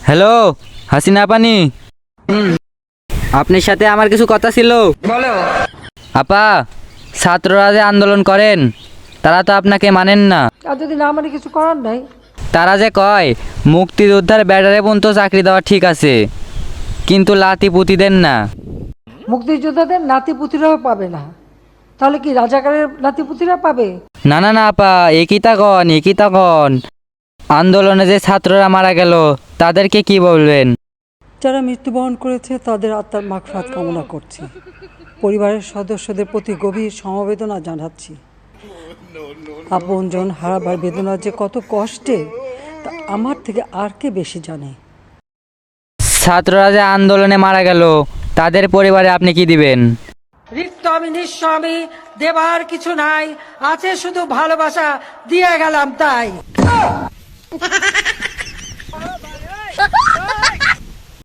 Hello Hasina পানি, আপনার সাথে আমার কিছু কথা ছিল। বলো। আপা, ছাত্ররা যে আন্দোলন করেন তারা তো আপনাকে মানেন না। আর যদি না মানে কিছু করার নাই। তারা যে কয় মুক্তিযোদ্ধার ব্যাটারে পর্যন্ত চাকরি দেওয়া ঠিক আছে, কিন্তু লাতি পুঁতি দেন না। মুক্তিযোদ্ধাদের নাতিপুতিরাও পাবে না, তাহলে কি রাজাকারের নাতিপুতিরা পাবে? না না না আপা, একই তা কন। আন্দোলনে যে ছাত্ররা মারা গেল তাদেরকে কি বলবেন? যারা মৃত্যুবরণ করেছে তাদের আত্মার মাগফিরাত কামনা করছি। পরিবারের সদস্যদের প্রতি গভীর সমবেদনা জানাচ্ছি। আপনজন হারাবার বেদনা যে কত কষ্টে তা আমার থেকে আর কে বেশি জানে। ছাত্ররা যে আন্দোলনে মারা গেল তাদের পরিবারে আপনি কি দিবেন? রিক্ত আমি নিঃস্ব, আমি দেবার কিছু নাই, আছে শুধু ভালোবাসা, দিয়ে গেলাম তাই।